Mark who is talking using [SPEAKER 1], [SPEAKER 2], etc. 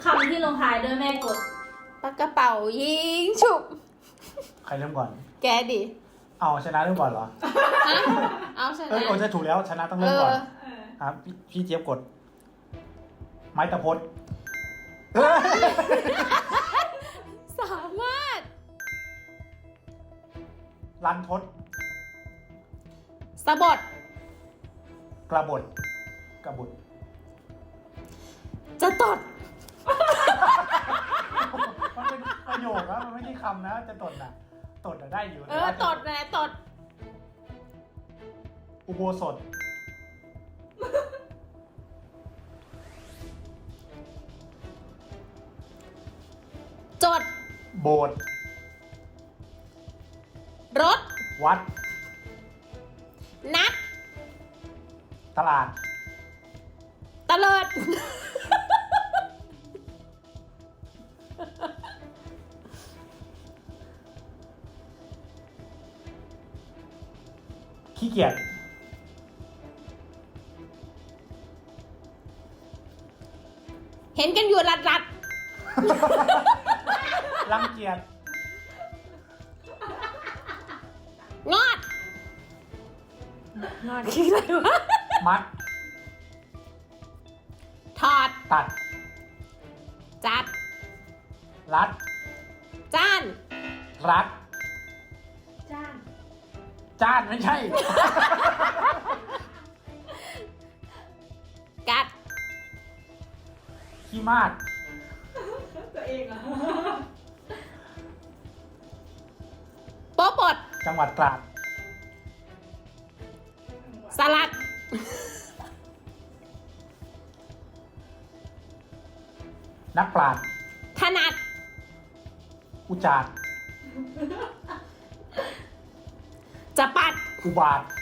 [SPEAKER 1] คำที่ลงท้ายด้วยแม่กด
[SPEAKER 2] ปากกระเป๋ายิงฉุบ
[SPEAKER 3] ใครเริ่มก่อน
[SPEAKER 2] แกดิ
[SPEAKER 3] เอาชนะเริ่มก่อนเหรอ
[SPEAKER 2] ฮะเอาช
[SPEAKER 3] เอ้ย
[SPEAKER 2] นะ
[SPEAKER 3] โอ้จะถูกแล้วชนะต้องเริ่มก่อน
[SPEAKER 1] เออ
[SPEAKER 3] ครับพี่เจี๊ยบกด ไม้ตะพดเฮ้ย
[SPEAKER 2] สามารถ
[SPEAKER 3] ลันทด
[SPEAKER 2] สะบด
[SPEAKER 3] กระบดกระบุด
[SPEAKER 2] จะตด
[SPEAKER 3] มันเป็นประโยคนะมันไม่ใช่คำนะ จะตดน่ะตดน่ะได้อยู่
[SPEAKER 2] ตดนะตด
[SPEAKER 3] อุโบสถ
[SPEAKER 2] จด
[SPEAKER 3] โบสถ์
[SPEAKER 2] รถ
[SPEAKER 3] วัด
[SPEAKER 2] นัด
[SPEAKER 3] ตลาด
[SPEAKER 2] ตะเลิด
[SPEAKER 3] ขี้เกียจ
[SPEAKER 2] เห็นกันอยู่รัด
[SPEAKER 3] รังเกียจ
[SPEAKER 2] งอด งอดคืออะไรวะ
[SPEAKER 3] มัด
[SPEAKER 2] ถอด
[SPEAKER 3] ตัด
[SPEAKER 2] จัด
[SPEAKER 3] รัด
[SPEAKER 2] จ้าน
[SPEAKER 3] รัด
[SPEAKER 1] จ้าง
[SPEAKER 3] จ้านไม่ใช่
[SPEAKER 2] กัด
[SPEAKER 3] ขี้มาด
[SPEAKER 1] ตัวเองเหรอ
[SPEAKER 2] โป๊ะปด
[SPEAKER 3] จังหวัดตราด
[SPEAKER 2] สลัด
[SPEAKER 3] นักปราชญ์
[SPEAKER 2] ถนัด
[SPEAKER 3] อุจาด
[SPEAKER 2] จะปัด
[SPEAKER 3] อุบาท